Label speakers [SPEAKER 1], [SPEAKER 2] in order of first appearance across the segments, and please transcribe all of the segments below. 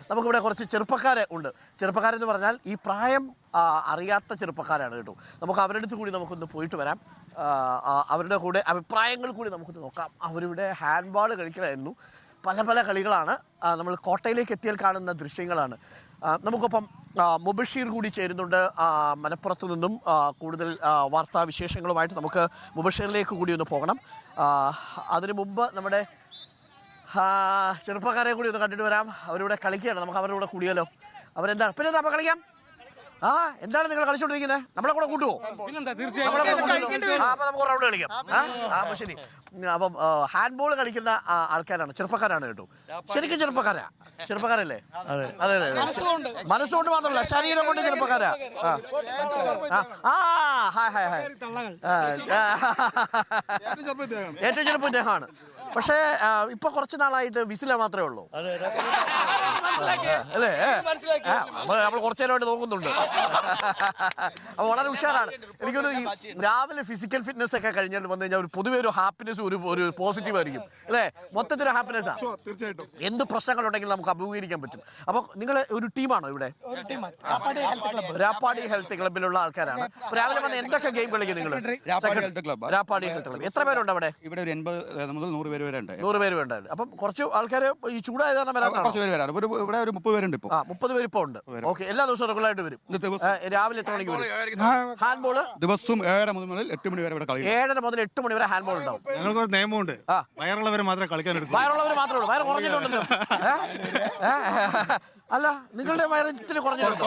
[SPEAKER 1] നമുക്കിവിടെ കുറച്ച് ചെറുപ്പക്കാരെ ഉണ്ട്. ചെറുപ്പക്കാരെന്ന് പറഞ്ഞാൽ ഈ പ്രായം അറിയാത്ത ചെറുപ്പക്കാരാണ് കേട്ടോ. നമുക്ക് അവരുടെ അടുത്ത് കൂടി നമുക്കൊന്ന് പോയിട്ട് വരാം. അവരുടെ കൂടെ അഭിപ്രായങ്ങൾ കൂടി നമുക്കൊന്ന് നോക്കാം. അവരിവിടെ ഹാൻഡ് ബോൾ കളിക്കലായിരുന്നു. പല പല കളികളാണ് നമ്മൾ കോട്ടയിലേക്ക് എത്തിയാൽ കാണുന്ന ദൃശ്യങ്ങളാണ്. നമുക്കൊപ്പം മുബഷീർ കൂടി ചേരുന്നുണ്ട് മലപ്പുറത്തു നിന്നും. കൂടുതൽ വാർത്താവിശേഷങ്ങളുമായിട്ട് നമുക്ക് മുബഷീറിലേക്ക് കൂടി ഒന്ന് പോകണം. അതിനു മുമ്പ് നമ്മുടെ ചെറുപ്പക്കാരെ കൂടി ഒന്ന് കണ്ടിട്ട് വരാം. അവരിവിടെ കളിക്കുകയാണ്. നമുക്ക് അവരുടെ കൂടെ കൂടിയാലോ? അവരെന്താണ് പിന്നെ നമ്മൾ കളിക്കാം? എന്താണ് നിങ്ങൾ കളിച്ചോണ്ടിരിക്കുന്നത്? നമ്മളെ കൂടെ കൂട്ടുവോ? അപ്പൊ നമുക്ക് റൗണ്ട് കളിക്കാം. അപ്പൊ ശരി. അപ്പം ഹാൻഡ് ബോൾ കളിക്കുന്ന ആൾക്കാരാണ്, ചെറുപ്പക്കാരാണ് കേട്ടോ. ശരിക്കും ചെറുപ്പക്കാരല്ലേ? അതെ അതെ അതെ. മനസ്സുകൊണ്ട് മാത്രമല്ല, ശരീരം കൊണ്ട് ചെറുപ്പക്കാരാ. ഏറ്റവും ചെറുപ്പം ഇദ്ദേഹമാണ്. പക്ഷേ ഇപ്പൊ കുറച്ച് നാളായിട്ട് വിസില മാത്രമേ ഉള്ളൂ അല്ലേ? നമ്മൾ കുറച്ചു നേരമായിട്ട് നോക്കുന്നുണ്ട്. അപ്പൊ വളരെ ഉഷാറാണ്. എനിക്കൊരു രാവിലെ ഫിസിക്കൽ ഫിറ്റ്നസ് ഒക്കെ കഴിഞ്ഞിട്ട് വന്നു കഴിഞ്ഞാൽ ഒരു പൊതുവെ ഒരു ഹാപ്പിനെസ് ഒരു പോസിറ്റീവ് ആയിരിക്കും അല്ലേ? മൊത്തത്തിലൊരു ഹാപ്പിനെസ് ആണ്.
[SPEAKER 2] തീർച്ചയായിട്ടും
[SPEAKER 1] എന്ത് പ്രശ്നങ്ങളുണ്ടെങ്കിലും നമുക്ക് അഭിമുഖീകരിക്കാൻ പറ്റും. അപ്പൊ നിങ്ങൾ ഒരു ടീമാണോ ഇവിടെ? രാപ്പാടി ഹെൽത്ത് ക്ലബിലുള്ള ആൾക്കാരാണ്. രാവിലെ വന്ന് എന്തൊക്കെ ഗെയിം കളിക്കും നിങ്ങൾ? Rappadi health club. എത്ര പേരുണ്ട് അവിടെ?
[SPEAKER 3] ഇവിടെ ഒരു 80 മുതൽ 100 പേര് വരെ ഉണ്ട്.
[SPEAKER 1] 100 പേര് വേണ്ട. അപ്പം കുറച്ച് ആൾക്കാർ ഈ ചൂടായ
[SPEAKER 3] ഇവിടെ ഒരു 30 പേരുണ്ട് ഇപ്പൊ.
[SPEAKER 1] 30 പേര് ഇപ്പൊ ഉണ്ട്. ഓക്കെ. എല്ലാ ദിവസവും റെഗുലറായിട്ട് വരും. രാവിലെ എത്ര മണിക്ക് വരും? ഹാൻഡ് ബോൾ
[SPEAKER 3] ദിവസവും 7:30 മുതൽ 8 മണി വരെ ഇവിടെ കളി.
[SPEAKER 1] 7:30 മുതൽ 8 മണി വരെ ഹാൻഡ് ബോൾ ഉണ്ടാവും.
[SPEAKER 2] ഞങ്ങൾക്കൊരു നിയമമുണ്ട്, വയറുള്ളവരെ മാത്രമേ കളിക്കാൻ എടുക്കൂ.
[SPEAKER 1] വയറുള്ളവർ മാത്രമേ ഉള്ളൂ. വയറ് കുറഞ്ഞിട്ടുണ്ടല്ലോ. അല്ല, നിങ്ങളുടെ വയറ് ഇത്തിരി കുറഞ്ഞിട്ടുണ്ടോ?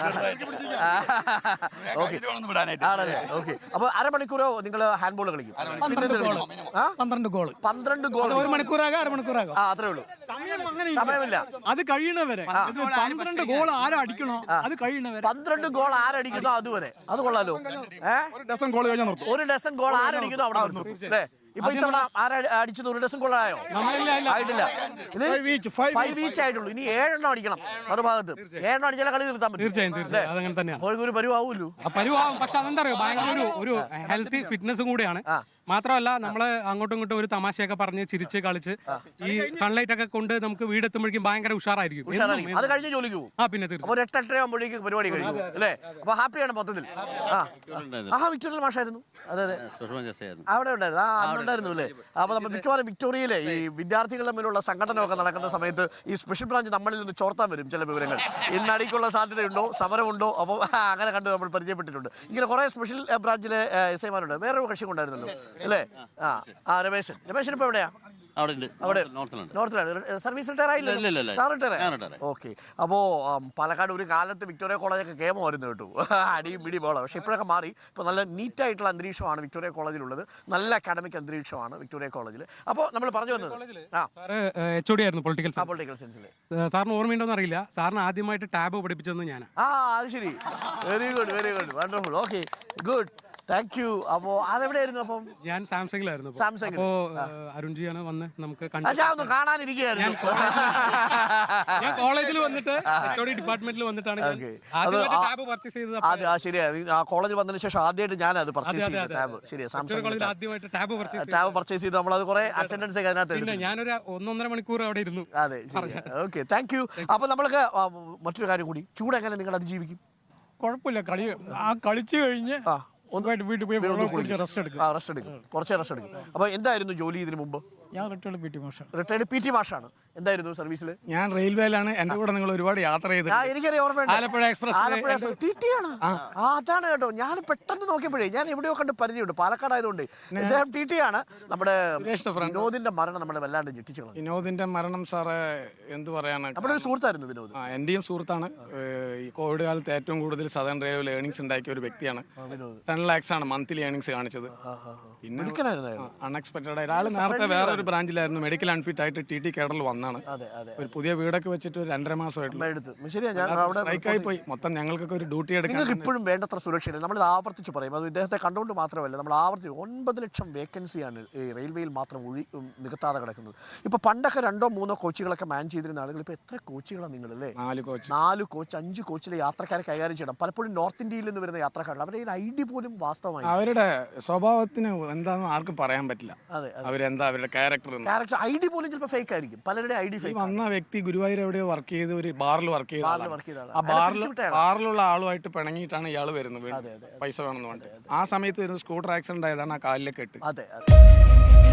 [SPEAKER 1] ആണല്ലേ? ഓക്കെ. അപ്പൊ അരമണിക്കൂറോ നിങ്ങൾ ഹാൻഡ് ബോൾ കളിക്കും?
[SPEAKER 4] 12 ഗോൾ.
[SPEAKER 1] 12 ഗോൾ.
[SPEAKER 4] ഒരു മണിക്കൂറാകാം, അരമണിക്കൂറാകാം.
[SPEAKER 1] അത്രേ ഉള്ളൂ. സമയമില്ല.
[SPEAKER 4] അത് കഴിയണവരെ 12 ഗോൾ ആരടിക്കണോ അത് കഴിയണവരെ.
[SPEAKER 1] 12 ഗോൾ ആരടിക്കുന്നോ അതുവരെ. അത് കൊള്ളാലോ.
[SPEAKER 2] ഒരു ഡസൻ ഗോൾ കഴിഞ്ഞാൽ നിർത്തും.
[SPEAKER 1] ഒരു ഡസൻ ഗോൾ ആരടിക്കുന്നോ അവിടെ നിർത്തും അല്ലേ? ഇപ്പൊ ഇത്തവണ അടിച്ചത് ഒരു ഡസൻ ഗോളായോ? ആയിട്ടില്ല. ഇത് 5 ഈച്ച് ആയിട്ടുള്ളൂ. ഇനി 7 അടിക്കണം. മറുഭാഗത്ത് 7 അടിച്ചാലേ കളി നിർത്താൻ പറ്റും.
[SPEAKER 4] തീർച്ചയായും
[SPEAKER 1] ഒരു പരുവാവൂല്ലോ.
[SPEAKER 4] പരുവാവും. പക്ഷെ അതെന്താ പറയുക, ഭയങ്കര ഒരു ഹെൽത്തി ഫിറ്റ്നസും കൂടിയാണ്. മാത്രമല്ല നമ്മള് അങ്ങോട്ടും ഇങ്ങോട്ടും ഒരു തമാശയൊക്കെ പറഞ്ഞ് ചിരിച്ച് കളിച്ച് ഈ സൺലൈറ്റ് ഒക്കെ കൊണ്ട് നമുക്ക് വീടെത്തുമ്പോഴേക്കും ഭയങ്കര ഉഷാറായിരിക്കും.
[SPEAKER 1] അത് കഴിഞ്ഞ് ജോലിക്ക് പോകും.
[SPEAKER 4] പിന്നെ തീർച്ചയായും
[SPEAKER 1] ഒരു 8-8 ആകുമ്പോഴേക്കും പരിപാടി കഴിയും അല്ലേ? അപ്പൊ ഹാപ്പിയാണ് മൊത്തത്തിൽ. വിക്ടോറിയൽ മാഷായിരുന്നു. അതെ അതെ, അവിടെ ഉണ്ടായിരുന്നു. അന്നുണ്ടായിരുന്നു അല്ലേ? അപ്പൊ നമ്മൾ മിക്കവാറും വിക്ടോറിയയിലെ ഈ വിദ്യാർത്ഥികൾ തമ്മിലുള്ള സംഘടനമൊക്കെ നടക്കുന്ന സമയത്ത് ഈ സ്പെഷ്യൽ ബ്രാഞ്ച് നമ്മളിൽ നിന്ന് ചോർത്താൻ വരും ചില വിവരങ്ങൾ. ഇന്നടിക്കുള്ള സാധ്യതയുണ്ടോ, സമരമുണ്ടോ? അപ്പോൾ അങ്ങനെ കണ്ട് നമ്മൾ പരിചയപ്പെട്ടിട്ടുണ്ട്. ഇങ്ങനെ കുറെ സ്പെഷ്യൽ ബ്രാഞ്ചിലെ എസ് ഐമാരുണ്ട്. വേറൊരു കക്ഷി ഉണ്ടായിരുന്നല്ലോ അല്ലേ? രമേശൻ ഇപ്പൊ എവിടെയാ? സർവീസ് റിട്ടയർ ആയില്ല. ഓക്കെ. അപ്പോ പാലക്കാട് ഒരു കാലത്ത് വിക്ടോറിയ കോളേജൊക്കെ കേമായിരുന്നു കേട്ടു. അടിയും പിടി ബോള. പക്ഷെ ഇപ്പോഴൊക്കെ മാറി. ഇപ്പൊ നല്ല നീറ്റായിട്ടുള്ള അന്തരീക്ഷമാണ് വിക്ടോറിയ കോളേജിലുള്ളത്. നല്ല അക്കാഡമിക് അന്തരീക്ഷമാണ് വിക്ടോറിയ കോളേജിൽ. അപ്പോൾ നമ്മൾ പറഞ്ഞു വന്നത് പൊളിറ്റിക്കൽ സയൻസിൽ
[SPEAKER 4] സാറിന് ഓർമ്മയുണ്ടോന്ന് അറിയില്ല. സാറിന് ആദ്യമായിട്ട് ടാബ് പഠിപ്പിച്ചതെന്ന് ഞാൻ.
[SPEAKER 1] അത് ശരി. Very good wonderful. Okay, good, thank you. അപ്പോ അതെവിടെയായിരുന്നു? അപ്പം ഞാൻ
[SPEAKER 4] സാംസങ്ങിലായിരുന്നു.
[SPEAKER 1] അപ്പോ
[SPEAKER 4] അരുൺജിയാണ് വന്ന് നമുക്ക്
[SPEAKER 1] കാണാനിരിക്കുകയായിരുന്നു.
[SPEAKER 4] ഞാൻ കോളേജിൽ വന്നിട്ട് ഡിപ്പാർട്ട്മെന്റിൽ വന്നിട്ടാണ് ടാബ് പർച്ചേസ് ചെയ്തത്.
[SPEAKER 1] ശരിയാണ്. ആ കോളേജ് വന്നതിന് ശേഷം ആദ്യമായിട്ട് ഞാൻ അത് പർച്ചേസ് ചെയ്ത ടാബ്. ശരിയാ, സാംസങ്
[SPEAKER 4] ആദ്യമായിട്ട് ടാബ്
[SPEAKER 1] പർച്ചേസ് ചെയ്ത് നമ്മളത് കുറെ അറ്റൻഡൻസ് ഒക്കെ അതിനകത്ത്.
[SPEAKER 4] ഞാനൊരു 1.5 മണിക്കൂർ അവിടെ ഇരുന്നു.
[SPEAKER 1] അതെ, ഓക്കെ, താങ്ക് യു. അപ്പൊ നമ്മൾക്ക് മറ്റൊരു കാര്യം കൂടി, ചൂട് എങ്ങനെ നിങ്ങൾ അതിജീവിക്കും?
[SPEAKER 4] കുഴപ്പമില്ല, കളിച്ചു കഴിഞ്ഞ് വീട്ടിൽ പോയി റെസ്റ്റ് എടുക്കും.
[SPEAKER 1] കുറച്ച് റെസ്റ്റ് എടുക്കും. അപ്പൊ എന്തായിരുന്നു ജോലി ഇതിനു മുമ്പ്?
[SPEAKER 4] ഞാൻ റിട്ടയർഡ് പി ടി
[SPEAKER 1] മാഷാണ്. എന്തായിരുന്നു സർവീസിൽ?
[SPEAKER 4] ഞാൻ റെയിൽവേയിലാണ്. എന്റെ കൂടെ നിങ്ങൾ ഒരുപാട് യാത്ര ചെയ്ത്.
[SPEAKER 1] എനിക്കറിയാം, ഓർമ്മയുണ്ട്.
[SPEAKER 4] ആലപ്പുഴ എക്സ്പ്രസ്.
[SPEAKER 1] അതാണ് കേട്ടോ. ഞാൻ പെട്ടെന്ന് നോക്കിയപ്പോഴേ ഞാൻ എവിടെയോ കണ്ട് പരിചയമുണ്ട്. പാലക്കാട് ആയതുകൊണ്ട്. ഇദ്ദേഹം ടി ടി ആണ്. നമ്മുടെ വിനോദിന്റെ മരണം നമ്മളെ വല്ലാണ്ട് ഞെട്ടിച്ചു.
[SPEAKER 4] വിനോദിന്റെ മരണം സാറ് എന്ത് പറയാനാണ്.
[SPEAKER 1] നമ്മുടെ ഒരു സുഹൃത്തായിരുന്നു വിനോദ്.
[SPEAKER 4] എന്റെയും സുഹൃത്താണ്. ഈ കോവിഡ് കാലത്ത് ഏറ്റവും കൂടുതൽ സദേൺ റെയിൽവേയിൽ ഏർണിംഗ്സ് ഉണ്ടാക്കിയ ഒരു വ്യക്തിയാണ്. 10 lakhs ആണ് മന്ത്ലി ഏർണിംഗ്സ് കാണിച്ചത്. പിന്നെ അൺഎക്സ്പെക്ടഡ് ആയിട്ട് ആള് നേരത്തെ വേറെ ഒരു ബ്രാഞ്ചിലായിരുന്നു. മെഡിക്കൽ അൺഫിറ്റ് ആയിട്ട് ടി ടി കേഡറിൽ വന്നാണ്. ഒരു പുതിയ വീടൊക്കെ വെച്ചിട്ട് 2.5 മാസമായിട്ട് പോയി. മൊത്തം ഞങ്ങൾക്കൊക്കെ ഒരു ഡ്യൂട്ടി എടുക്കാൻ
[SPEAKER 1] ഇപ്പോഴും വേണ്ടത്ര സുരക്ഷയില്ല. നമ്മൾ ആവർത്തിച്ച് പറയും. അത് ഇദ്ദേഹത്തെ കണ്ടുകൊണ്ട് മാത്രമല്ല, നമ്മൾ ആവർത്തിച്ച് 9 ലക്ഷം വേക്കൻസിയാണ് ഈ റെയിൽവേയിൽ മാത്രം നികത്താതെ കിടക്കുന്നത്. ഇപ്പൊ പണ്ടൊക്കെ 2-3 കോച്ചുകളൊക്കെ മാൻ ചെയ്തിരുന്ന ആളുകൾ ഇപ്പൊ എത്ര കോച്ചുകളാണ് നിങ്ങളല്ലേ? 4 കോച്ച് 5 കോച്ചിലെ യാത്രക്കാരെ കൈകാര്യം ചെയ്യണം. പലപ്പോഴും നോർത്ത് ഇന്ത്യയിൽ നിന്ന് വരുന്ന യാത്രക്കാരാണ്. അവരുടെ ഐഡി പോലും വാസ്തവമായി
[SPEAKER 4] അവരുടെ സ്വഭാവത്തിന് എന്താണെന്ന് ആർക്കും പറയാൻ പറ്റില്ല.
[SPEAKER 1] അതെ
[SPEAKER 4] അവരെന്താ അവരുടെ ക്യാരക്ടർ
[SPEAKER 1] ക്യാരക്ടർ ഐ ഡി പോലും ചിലപ്പോൾ ഫേക്ക് ആയിരിക്കും. പലരുടെ ഐ ഡി ഫേക്ക്.
[SPEAKER 4] വന്ന വ്യക്തി ഗുരുവായൂർ എവിടെയോ വർക്ക് ചെയ്ത് ഒരു ബാറിൽ വർക്ക് ചെയ്ത ആളാണ്.
[SPEAKER 1] വർക്ക് ചെയ്ത
[SPEAKER 4] ആ ബാറിലുള്ള ആളുമായിട്ട് പിണങ്ങിയിട്ടാണ് ഇയാൾ വരുന്നത് പൈസ വേണമെന്ന് പറഞ്ഞിട്ട്. ആ സമയത്ത് വരുന്ന സ്കൂട്ടർ ആക്സിഡന്റ് ആയതാണ് ആ കാലിലെ കെട്ട്.
[SPEAKER 1] അതെ